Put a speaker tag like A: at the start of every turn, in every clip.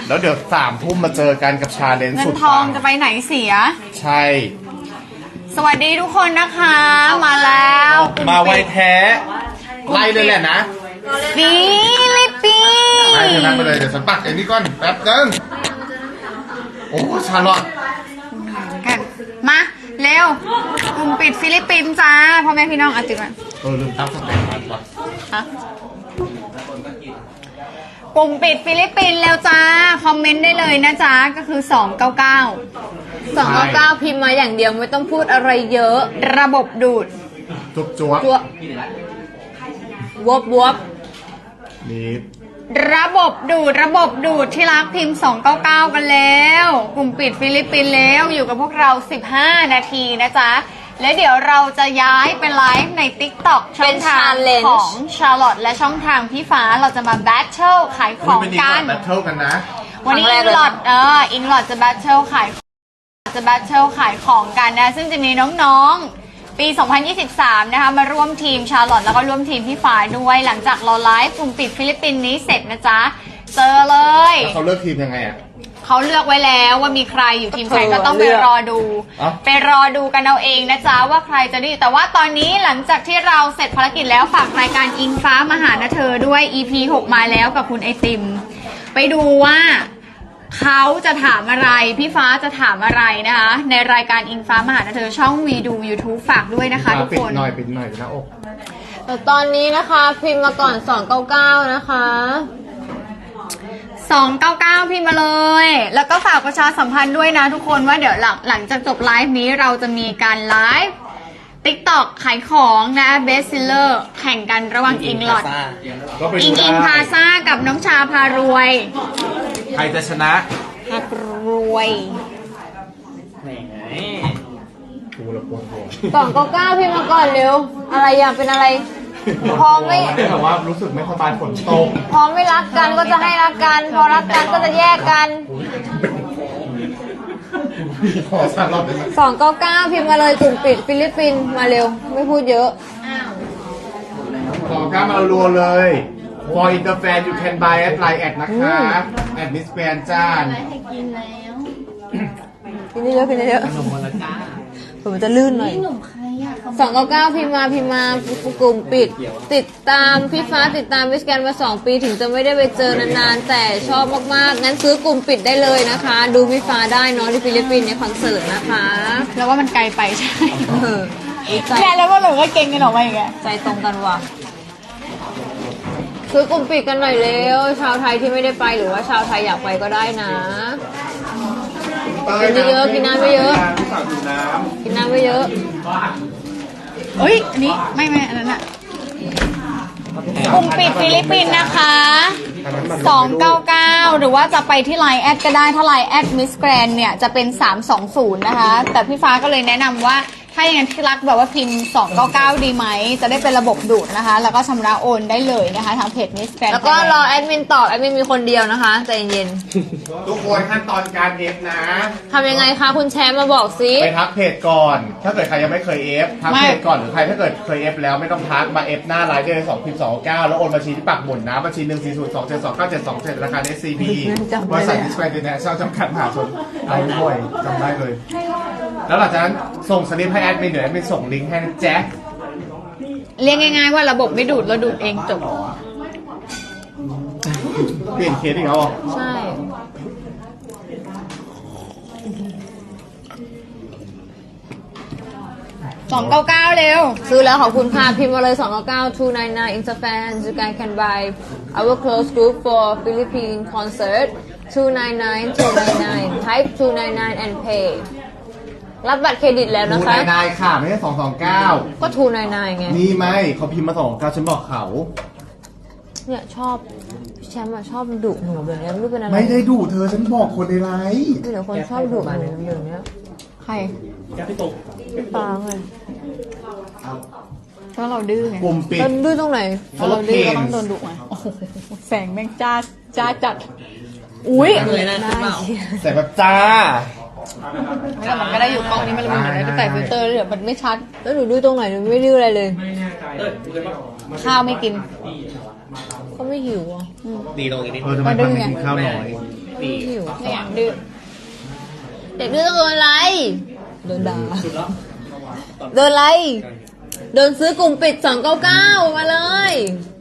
A: แล้วเดี๋ยว3 ทุ่มมาเจอกันกับชาเลนจ์
B: เงิ
A: สุ
B: น
A: ด
B: ทอง
A: ปั
B: จะไปไหนเสีย
A: ใช่
B: สวัสดีทุกคนนะคะ มาแล้ว
A: มาไวแท้ไล่เลยแหละนะ
B: ฟิลิปปิน
A: ไล่
B: ส์
A: เธอนั่งไปเลยเดี๋ยวฉันปักไอ้นี่ก่อนแป๊บนึงโอ้ชาลอต
B: กันมาเร็วกลุ่มปิดฟิลิปปินส์จ้าพ่อแม่พี่น้องอ่ะติดมา
A: ลืมตั้งสเต็ปมันว่ะ
B: ฮะกลุ่มปิดฟิลิปปินส์แล้วจ้าคอมเมนต์ได้เลยนะจ๊ะก็คือ299
C: 299พิมพ์มาอย่างเดียวไม่ต้องพูดอะไรเยอะ
B: ระบบดูด
A: จุ๊บจ๊วบ
C: ตัววบวบ
A: นี่
B: ระบบดูดที่รักพิมพ์299กันแล้ว กลุ่มปิดฟิลิปปินส์แล้วอยู่กับพวกเรา15 นาทีนะจ๊ะและเดี๋ยวเราจะย้ายเป็นไลฟ์ใน TikTok ช่องทางของชาร์ลอตและช่องทางพี่ฟ้าเราจะมาแบทเทิลขายของกัน
A: แบทเทิลกันนะ
B: วันนี้อิงลอดจะแบทเทิลขายของกันนะซึ่งจะมีน้องๆปี 2023 นะคะมาร่วมทีมชาร์ลอตแล้วก็ร่วมทีมพี่ฟ้าด้วยหลังจากเราไลฟ์กลุ่มปิดฟิลิปปินส์นี้เสร็จนะจ๊ะเจอเลย
A: แล้วเขาเลือกทีมยังไงอ่ะ
B: เขาเลือกไว้แล้วว่ามีใครอยู่ทีมใครก็ต้องไปรอดู
A: อ๋อ
B: ไปรอดูกันเอาเองนะจ๊ะว่าใครจะได้แต่ว่าตอนนี้หลังจากที่เราเสร็จภารกิจแล้วฝากรายการอิงฟ้ามาหานะเธอด้วย EP 6 มาแล้วกับคุณไอติม ไปดูว่าเขาจะถามอะไรพี่ฟ้าจะถามอะไรนะคะในรายการอิงฟ้ามาหานะเธอช่องวีดู YouTube ฝากด้วยนะคะทุก
A: ปิด
B: คน
A: หน่อยนะอก
C: แต่ตอนนี้นะคะพิมพ์มาก่อน299นะคะ
B: 299พิมพ์มาเลย แล้วก็ฝากประชาสัมพันธ์ด้วยนะทุกคนว่าเดี๋ยวหลังจากจบไลฟ์นี้เราจะมีการไลฟ์ TikTok ขายของนะเบสซิลเลอร์แข่งกันระหว่างอิงลอด
A: ก็ไป
B: อิ
A: ดู
B: ง
A: ได้
B: อิงพาซ่ากับน้องชาพารวย
A: ใครจะชนะ
B: พารวย
A: ดูและปวดหัว
C: 299พิมพ์มาก่อนเร็วอะไรอยากเป็นอะไร พอไม่
A: แต่ว่ารู้สึกไม่สบายฝนตก
C: พอไม่รักกันก็จะให้รักกัน พอรักกันก็จะแยกกัน
A: ขอชาลอตได้ไหม
C: 299พิมพ์มาเลยกลุ่มปิดฟิลิปปินส์มาเร็วไม่พูดเยอะ
A: 299มารัวเลย For Interfan you can buy at Line แอดนะคะแอดมิสแกรนจ้า
C: กินเยอะกินเยอะผมจะลื่นหน่อย299พิมพ์มากลุ่มปิด ติดตามพี่ฟ้าติดตามวิสแกนมา2 ปีถึงจะไม่ได้ไปเจอนานๆแต่ชอบมากๆงั้นซื้อกลุ่มปิดได้เลยนะคะ ดูพี่ฟ้าได้เนอะที่ฟิลิปปินส์ในคอนเสิร์ตนะคะ
B: แล้วว่ามันไกลไปใช่
C: เออใจ
B: แค่แล้วก็หนูก็เก่งกันออกมาอย่างเงี้ย
C: ใจตรงกันว่ะซื้อกลุ่มปิดกันหน่อยเร็วชาวไทยที่ไม่ได้ไปหรือว่าชาวไทยอยากไปก็ได้นะ กินเยอะๆกินน้ำไม่เยอะ กินน้ำไม่เยอะ
B: เอ้ยอันนี้ไม่อันนั้นอะกลุ่มปิดฟิลิปปินส์นะคะ299หรือว่าจะไปที่ไลน์แอดก็ได้ถ้าไลน์แอดมิสแกรนเนี่ยจะเป็น320นะคะแต่พี่ฟ้าก็เลยแนะนำว่าถ้าอย่างนั้นที่รักแบบว่าพิมพ์299ดีไหมจะได้เป็นระบบดูดนะคะแล้วก็ชำระโอนได้เลยนะคะทางเพจมิสแกรน
C: แล้วก็รอแอดมินตอบแอดมินมีคนเดียวนะคะใจเย็น
A: ทุกคนขั้นตอนการเอฟนะ
C: ๆทำยังไงคะคุณแชมป์มาบอกซิ
A: ไปทักเพจก่อน ถ้าเกิดใครยังไม่เคยเอฟทักเพจก่อนหรือใครถ้าเกิดเคยเอฟแล้วไม่ต้องทักมาเอฟหน้าไลน์ได้เลย2พิมพ์299แล้วโอนบัญชีที่ปักหมุดนะบัญชี14027297727ธนาคาร SCB บริษัทดิสแควร์ดินแนชั่นจำกัดมหาชนไอ้บ่อยจำได้เลย แล้วหลังจากนั้นส่งสลิปให้แอดมินเดี๋ยวแอดมินส่งลิงก์ให้นะแจ๊ค
B: เรียกง่ายๆว่าระบบไม่ดูดเราดูดเองจบ
A: เปลี่ยนเคสอีกแล้วเหรอ
C: ใช่
B: 299เร็ว
C: ซื้อแล้วขอบคุณค่ะพิมพ์มาเลย299 299 Interfan you guys can buy our close group for Philippine concert 299 type 299 and pay รับบัตรเครดิตแล้ว
A: ทู
C: นะคะ
A: นายค่ะไม่ใช่229
C: ก็299ไง
A: นี่ไม่เขาพิมพ์มา229ฉันบอกเขา
C: เนี่ยชอบแชมป์อะชอบดุหนูแบบนี้ไม่รู้เป็นอะไร
A: ไม่ได้ดูเธอฉันบอกคนในไลน์
C: เดี๋ยวคนชอบดุแบบนี้
B: ใคร
C: ปาเลย
B: เพราะเราดื้อไง
A: กลุ่มปิด
C: แล้วดื้อตรงไหน
B: ถ้าเราดื้อก็ต้องโดนดุไงโอ้โหแสงแม่งจ้าจัด อุ้ย
A: แต่แบบจ้า
B: แต่มันก็ได้อยู่กล้องนี้มันเลยมันได้แต่ฟิลเตอร์เดี๋ยวมันไม่ชัด
C: แล้วหนูดื้อตรงไหนหนูไม่ดื้ออะไรเลย
B: ข้าวไม่กิน
C: ก็ไม่หิวอ่ะ
A: ทำไมมันไม่กินข้าวน้อยปี
C: หิว
B: เนี่ยดื้อ
C: เด็กดื้อต้องโดนอะไรโดนด่าโดนอะไรโดนซื้อกลุ่มปิด299มาเลย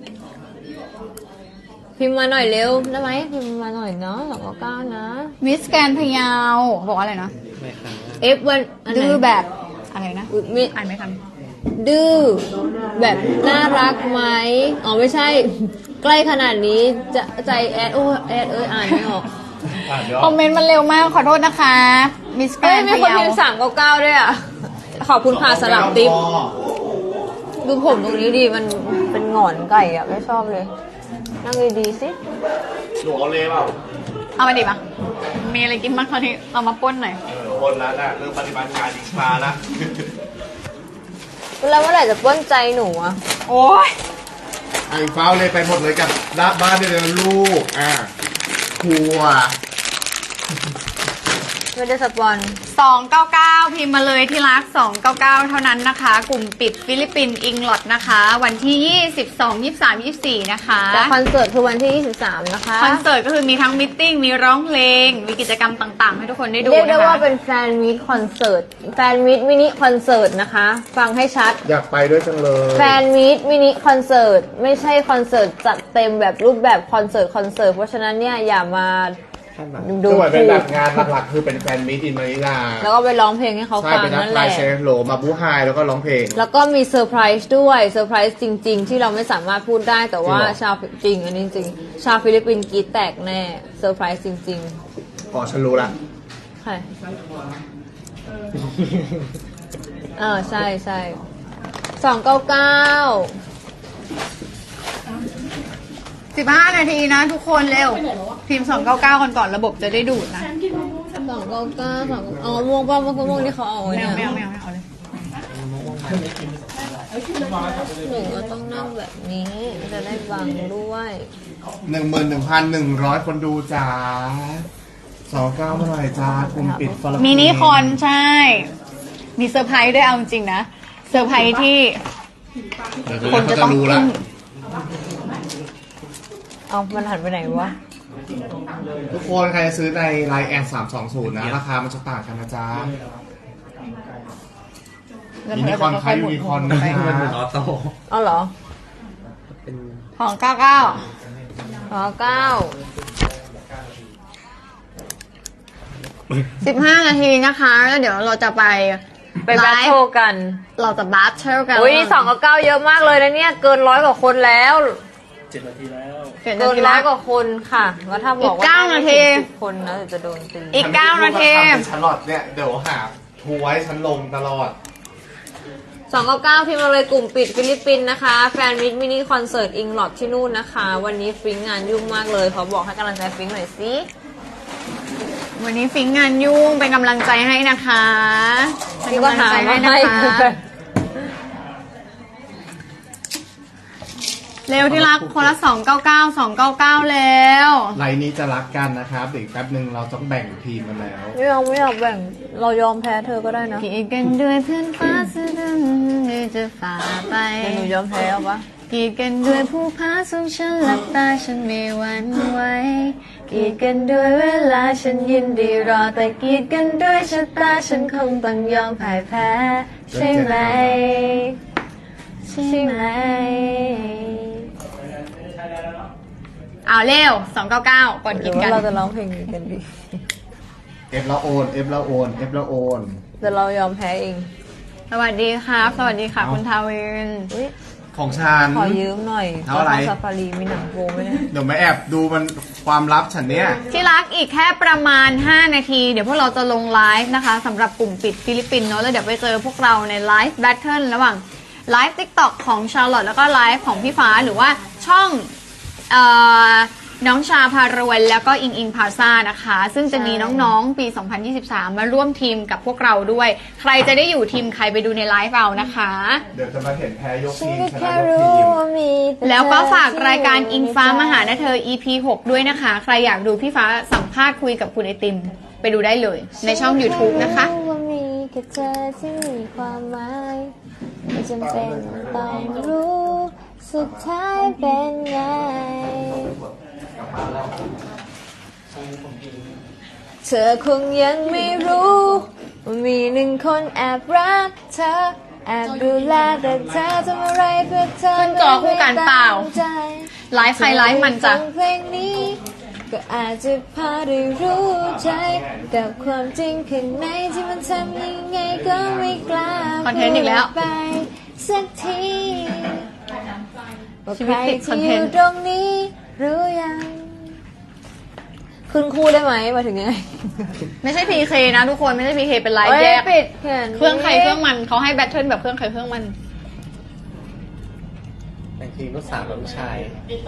C: พิมพ์มาหน่อยเร็วได้ไหมพิมพ์มาหน่อยเนาะ299นะ
B: มิสแกรนด์พะเยาบอกว่าอะไรนะ
C: F1 อันไหน
B: ดื้อแบบอะไรนะ
C: อุ๊ยไม่
B: อ่านไม่ทัน
C: ดื้อแบบน่ารักไหมอ๋อไม่ใช่ ใกล้ขนาดนี้จะใจแอดโอ้แอดอ่านไม่ออก
A: เดี๋ยว
B: คอมเมนต์มันเร็วมากขอโทษนะคะ มิสแกร
C: เอ้ย
B: นด์
C: มี
B: พะ
C: คน
B: เยา
C: พิมพ์399ด้วยอ่ะขอบคุณค่ะสลับติ๊บดูผมตรงนี้ดิมันเป็นหงอนไก่อ่ะไม่ชอบเลยนั่งดีๆสิ
A: หนูเอาเลยเปล่า
B: เอามาดิมามีอะไรกินบ้างคราวนี้เอามาป้นหน่อย
A: คนละน่ะเรื่องปฏิบัติงานอีกมาละ
C: แล้วเมื่อไหร่จะป้นใจหนูอ่ะ
B: โอ้ย
A: ไอ้ฟ้าวเลยไปหมดเลยกับรับบ้านได้เลยนะลูกครัว
C: ไม่ได้สปอน
B: 299 พิมพ์มาเลยที่รัก 299 เท่านั้นนะคะ กลุ่มปิดฟิลิปปินส์อิงลอดนะคะ วันที่ 22 23 24 นะคะ
C: แต่คอนเสิร์ตคือวันที่ 23 นะคะ
B: คอนเสิร์ตก็คือมีทั้งมิทติ้งมีร้องเพลง มีกิจกรรมต่างๆ ให้ทุกคนได้ดู
C: เรียกได้
B: นะคะ
C: ว่าเป็นแฟนมิตคอนเสิร์ตแฟนมิตมินิคอนเสิร์ตนะคะ ฟังให้ชัด
A: อยากไปด้วยจังเลย
C: แฟนมิตมินิคอนเสิร์ตไม่ใช่คอนเสิร์ตจัดเต็มแบบรูปแบบคอนเสิร์ตเพราะฉะนั้นเนี่ยอย่ามา ดู
A: คือเหมือนเป็นแบบงานหลักๆคือเป็นแฟนมิตอินมานิลา
C: แล้วก็ไปร้องเพลงให้เขา
A: ใช่
C: ฟัง
A: เป็นนัก
C: นั่นแห
A: ไล
C: ละ
A: ฟ์เซฟโหลมาบูไฮแล้วก็ร้องเพลง
C: แล้วก็มีเซอร์ไพรส์ด้วยเซอร์ไพรส์จริง ๆ ที่เราไม่สามารถพูดได้แต่ว่า
A: จริงเหรอ
C: ชาวจริงอันนี้จริงชาวฟิลิปปินส์กรีดแตกแน่เซอร์ไพรส์จริง
A: อ๋อฉันรู้ละ
C: ๆใช่ใช่ใช่299
B: 15 นาทีนะทุกคนเร็ว พิมพ์ 299 ก่อนระบบจะได้ดูดนะ
C: 299อ๋อม่วงป่ะม่วงที่เขาเอาไว้
B: ไม่
C: เนี่ย
B: เอาไม่เอาเลย
C: หนูก็ต้องนั่งแบบนี้จะได้บังด้วย
A: 11,100 คนดูจ้า29เมื่อไหร่จ้ากลุ่มปิดฟอล
B: มินิคอนใช่ มีเซอร์ไพรส์ด้วยเอาจริงๆนะ เซอร์ไพรส์ที่คนจะต้อง
A: รู้
B: อึ้
A: ละ
B: ง
C: เอามันหันไปไหนวะ
A: ทุกคนใครจะซื้อในไลน์แอด320นะราคามันจะต่างกันนะจ๊ะมินิคอนคล้ายยูนิคอนนะ
D: ออโต้
C: เอาเหรอ
B: ของ 99
C: อ๋อ9
B: 15 นาทีนะคะแล้วเดี๋ยวเราจะไป
C: ไปแบทเทิลกัน
B: เราจะบัทเทิลกัน
C: อุ้ยนี่299เยอะมากเลยนะเนี่ยเกิน100กว่าคนแล้ว
D: 7 นาทีแล้ว
B: เกิ
C: เกิ
B: น
C: น100กว่าคนค่ะแล้วถ้าบอกว่า
B: อีก9นาที
C: ไม่ถึง10คนนะเดี๋ยวจะโดนตี
B: อีก 9 นาที
A: ฉันหลอดเนี่ยเดี๋ยวหาทัวร์ให้ฉันลงตลอด
C: 299พิมพ์มาเลยกลุ่มปิดฟิลิปปินส์นะคะแฟนมินิคอนเสิร์ตอิงลอดที่นู่นนะคะ วันนี้ฟิงงานยุ่งมากเลยเขาบอกให้กำลังใจฟิงหน่อยสิ
B: วันนี้ฟิงงานยุ่งเป็นกำลังใจให้นะคะเป็น
C: พี่
B: กำ
C: ก็
B: ลัง
C: ถา
B: ใจ
C: ม
B: ให้
C: มา
B: นะ
C: ให้
B: คะ เร็วที่รักคนละ299แล้ว
A: ไลน์นี้จะรักกันนะครับเดี๋ยวอีกแป๊บหนึ่งเราต้องแบ่งทีมกันแล้ว
C: ไม่อยากแบ่งเรายอมแพ้เธอก็ได้นะ
B: กีดกันด้วยเพื่อนฟ้าซึ่งจะฝ่าไป
C: เดี๋ยวหนูยอมแพ้เอาปะ
B: กีดกันด้วยผู้พาสูงฉันหลับตาฉันไม่หวั่นไหวกีดกันด้วยเวลาฉันยินดีรอแต่กีดกันด้วยชะตาฉันคงต้องยอมพ่ายแพ้ใช่ไหมใช่ไหมเอาเร็ว299ก่อน
C: ห
B: กิ
C: รื
B: น
C: อ
B: กั
C: ว่าน เราจะร้องเพลงนี้กันดี
A: เอฟแล้วโอนเอฟแล้วโอนเอฟแล้วโอน
C: แต่เรายอมแพ้เอง
B: สวัสดีครับ สวัสดีค่ะคุณทาวิน
C: อุ๊ย
A: ของฉัน
C: ขอยืมหน่อย
A: เท่าไหร่
C: ซาฟารีมีหนังโปไหมเนี่ย
A: เดี๋ยวมาแอบดูมันความลับฉันเนี่ย
B: ที่รักอีกแค่ประมาณ 5 นาที เดี๋ยวพวกเราจะลงไลฟ์นะคะสำหรับกลุ่มปิดฟิลิปปินส์เนาะแล้วเดี๋ยวไปเจอพวกเราในไลฟ์แบทเทิลระหว่างไลฟ์ TikTok ของชาร์ลอตแล้วก็ไลฟ์ของพี่ฟ้าหรือว่าช่องเอ่อน้องชาพารวยแล้วก็อิงอิงพาซ่านะคะ ซึ่งจะมีน้องๆปี 2023 มาร่วมทีมกับพวกเราด้วย ใครจะได้อยู่ทีมใครไปดูในไลฟ์เอานะคะ
A: เดี๋ยวจะมาเห็นแพ้ยก
C: ฉัน
A: ทีม
C: ก็
A: ชนะ
C: แค่
A: ยก
C: รู้
A: ทีม
C: ว่ามีต่
B: แล้วก็
C: เธอ
B: ฝากรายการ
C: ที่
B: อิงฟ้า
C: ในใจ
B: มาหานะเธอ EP 6 ด้วยนะคะ ใครอยากดูพี่ฟ้าสัมภาษณ์คุยกับคุณไอติม ไปดูได้เลย ในช่อง YouTube นะคะ
C: ฉัรู้ว่ามีแค่เธอที่มีความหมายไม่จำเป็นต้องรู้สุดท้ายเป็นไงเธอคงยังไม่รู้ว่ามีหนึ่งคนแอบรักเธอแอบดูแลแต่เธอทำอะไรเพื่อเธอ
B: ขึ้นจอคู่กันเปล่า
C: ไม่ได้
B: ไลฟ์ใครไลฟ์มันจ้ะ
C: ฟังเพลงนี้ก็อาจจะพอได้รู้ใจกับความจริงข้างในที่มันทำยังไงก็ไม่กล้า
B: คอนเทนต์อีกแล้ว
C: พูดไปสักทีว่า
B: ชี
C: ใค
B: วิ
C: ร
B: ตติดคอน
C: ที่
B: เท
C: อน ยู่
B: ต์
C: ตรงนี้รู้ยังขึ้นคู่ได้ไหมมาถึงยังไง
B: ไม่ใช่ PK นะทุกคนไม่ใช่ PK เป็นไลฟ์
C: เอ้ย
B: แยก
C: ปิดแขน
B: เครื่องใครเครื่องมันเขาให้แบทเทิลแบบเครื่องใครเครื่องมัน
D: แต่งเพลงลูกสาวกับลูกชาย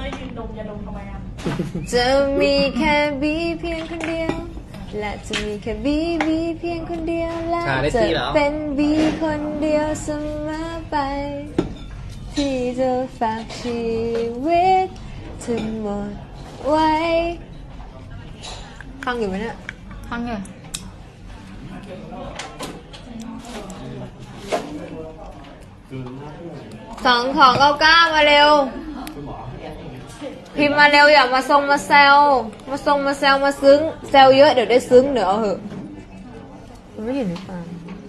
C: จะมีแค่บีเพียงคนเดียว และจะมีแค่บีเพียงคนเดียวและ
D: ชาได้
C: จะ
D: ที่แล้ว
C: เป็นบีคนเดียวเสมอไป ที่จะฝากชีวิตทั้งหมดไว้ฟังอยู่ไหมเนี่ย
B: ฟังเลย
C: 2299มาเร็ว พิมพ์มาเร็วอย่ามาทรงมาแซวมาทรงมาแซวมาซึ้งแซวเยอะเดี๋ยวได้ซึ้งเดี๋ยวเอาเหอะมันไม่เห็นหรือเปล่า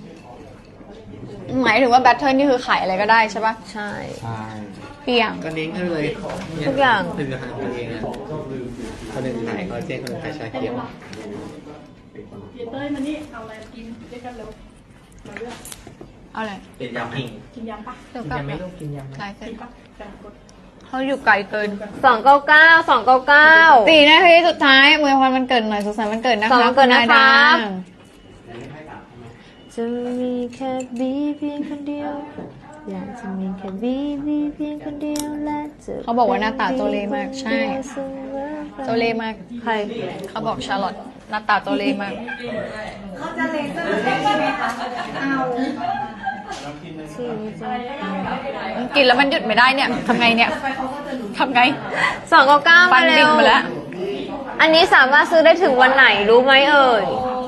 B: หมายถึงว่าแบทเทิลนี่คือขายอะไรก็ได้ใช่ปะ
C: ใช่
B: เปียง
D: ก็เน้นให้เลย
C: ทุกอย่าง
D: ผลิตภัณฑ์ตัวเองนะคนหนึ่งขายคอลลาเจนคนหนึ่งขายชาเขียว
E: เต้ยมานี่เอาอะไรกินด้วยกันเร็วมาเลือก
B: เอาเลย
D: เป็นยำพิง
E: กินยำปะ
B: เดี๋ยวกลับ
D: ยำไม่
B: มา
D: ต้องกินยำ
B: ไลฟ์เสร็จ
E: กินปะแต่กด
B: เขาอยู่ไกลเกิน
C: 299
B: 4 นาทีสุดท้ายมวยพรมันเกิดหน่อยสุขสันต์วันเกิดนะคะ
C: วันเกิดนะคะ
B: ณายดา
C: จะมีแค่บีเพียงคนเดียวและจะมีแค่บีเพียงคนเดียวและจะ
B: เขาบอกว่าหน้าตาโจเลมากใช่ โจเลมาก
C: ใคร
B: เขาบอกชาร์ลอตหน้าตาโจเลมาก กินแล้วมันหยุดไม่ได้เนี่ยทำไงเนี่ยทำไง
C: 299
B: ฟั
C: มาน เร็
B: ดิ่ง
C: ว
B: มาแล้ว
C: อันนี้สามารถซื้อได้ถึงวันไหนรู้ไหมเอ่ย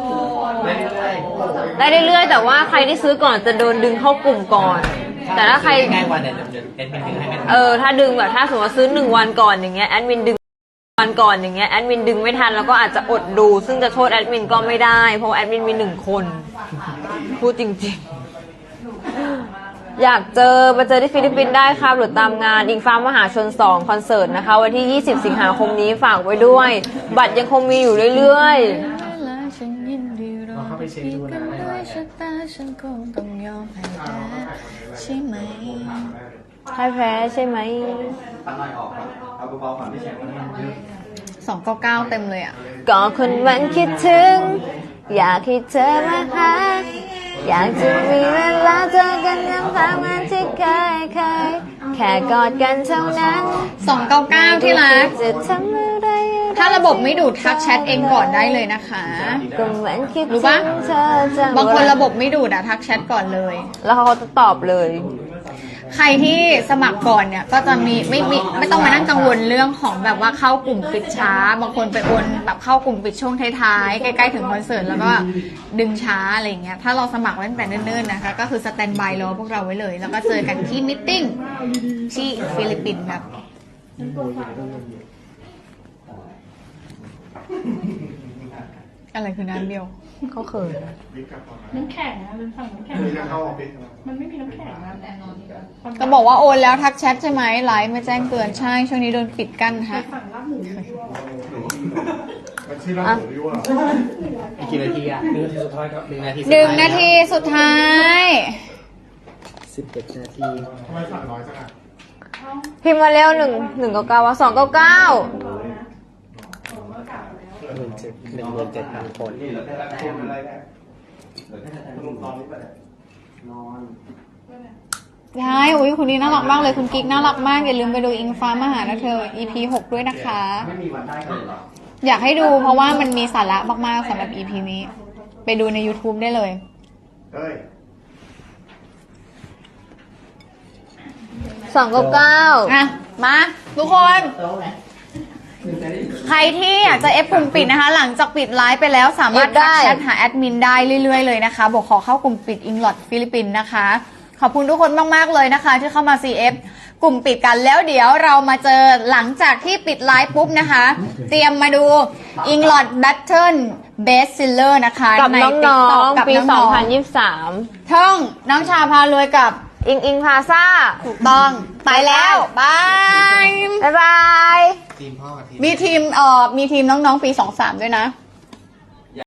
C: ได้เรื่อยๆแต่ว่าใครที่ซื้อก่อนจะโดนดึงเข้ากลุ่มก่อน แต่ถ้าใคร
D: ใกล้วันเนี่ยเดี๋ยวเอ็ดมินดึงให้ไม่ทัน
C: ถ้าดึงแบบถ้าสมมติว่าซื้อ1 วันก่อนอย่างเงี้ยแอดมินดึงวันก่อนอย่างเงี้ยแอดมินดึงไม่ทันแล้วก็อาจจะอดดู ซึ่งจะโทษแอดมินก็ไม่ได้เพราะแอดมินมี1 คนพูดจริงๆ อยากมาเจอที่ฟิลิปปินส์ได้ครับหรือตามงานอิงฟ้ามหาชน2คอนเสิร์ตนะคะวันที่ 20 สิงหาคมนี้ฝากไว้ด้วย บัตรยังคงมีอยู่เรื่อยๆ
D: เราเข้าไปเช็คดูนะ
B: ใช่ไหม
C: พ่ายแพ้ใช่ไหม
D: ตัดหน่อยออกครับเอาเบาๆก่อนไม่ใช่ว่า
B: 299เต็มเลยอ่ะ
C: ก็คนมันคิดถึง อยากให้เธอมาหา อยากจะมีเวลาเจอกันน้ำตามันที่เคยแค่กอดกันเท่านั้น
B: 299ที่รัก
C: จะทำอะไร
B: ถ้าระบบไม่ดูดทักแชทเองก่อนได้เลยนะคะ
C: ก็เหมือนคิด
B: รู้
C: ถึ
B: ปะ
C: งเธอจัง
B: บางคนระบบไม่ดูดอะทักแชทก่อนเลย
C: แล้วเขาจะตอบเลย
B: ใครที่สมัครก่อนเนี่ยก็จะไม่ต้องมานั่งกังวลเรื่องของแบบว่าเข้ากลุ่มปิดช้า บางคนไปโอนแบบเข้ากลุ่มปิดช่วงท้ายๆใกล้ๆถึงคอนเสิร์ตแล้วก็ดึงช้าอะไรอย่างเงี้ยถ้าเราสมัครไว้ตั้งแต่เนิ่นๆนะคะก็คือสแตนบายรอพวกเราไว้เลย แล้วก็เจอกันที่มิทติ้งที่ฟิลิปปินส์ครับอะไรคือน้ำเดียว
C: เขาเขิน
E: น้ำแข็งนะเป็นฝั่งน้ำแข็ง
A: จะเข้าออฟฟิศ
E: มันไม่มีน้ำแข็งนะ
B: ก็บอกว่าโอนแล้วทักแชทใช่ไหมไลฟ์ไม่แจ้งเตือนใช่ช่วงนี้โดนปิดกั้นฮะ
E: ฝั่งลาบหมู
A: มันชื่อร้านหมูยั่ว
D: อีกกี่นาทีอ่ะ1 นาทีสุดท้ายครับ1 นาที
B: 1 นาทีสุดท้าย
D: 11 นาที
A: ทำไมสั่งน้อยจังอ่ะ
C: พิมพ์มาเร็ว199ว่า299
D: 17,000 คน
B: ใช่อุ้ยคุณนี้น่ารักมากเลยคุณกิ๊กน่ารักมากอย่าลืมไปดูอิงฟ้ามาหานะเธอ EP 6 ด้วยนะคะ อยากให้ดูเพราะว่ามันมีสาระมากๆสำหรับ EP นี้ ไปดูใน YouTube ได้เลย
A: เฮ้ย
C: 299
B: อ่ะ มาทุกคน ใครที่อยากจะเอฟกลุ่มปิดนะคะ หลังจากปิดไลฟ์ไปแล้วสามารถทักแชทหาแอดมินได้เรื่อยๆเลยนะคะ บอกขอเข้ากลุ่มปิดอิงลอดฟิลิปปินส์นะคะ ขอบคุณทุกคนมากๆเลยนะคะ ที่เข้ามา CF กลุ่มปิดกันแล้วเดี๋ยวเรามาเจอหลังจากที่ปิดไลฟ์ปุ๊บนะคะ เตรียมมาดู Englot Battle Best Seller นะคะ
C: กับ
B: ใน
C: น้
B: TikTok
C: อง
B: กับ
C: ๆ ปี
B: น้องๆ
C: 2023
B: ท่องน้องชาพารวยกับ
C: อิงพาซ่า
B: ถูกต้องไปแล้วบาย
C: บ๊ายบาย
A: ทีมพ่อกับทีม
B: มีทีมน้องๆปี 23 ด้วยนะ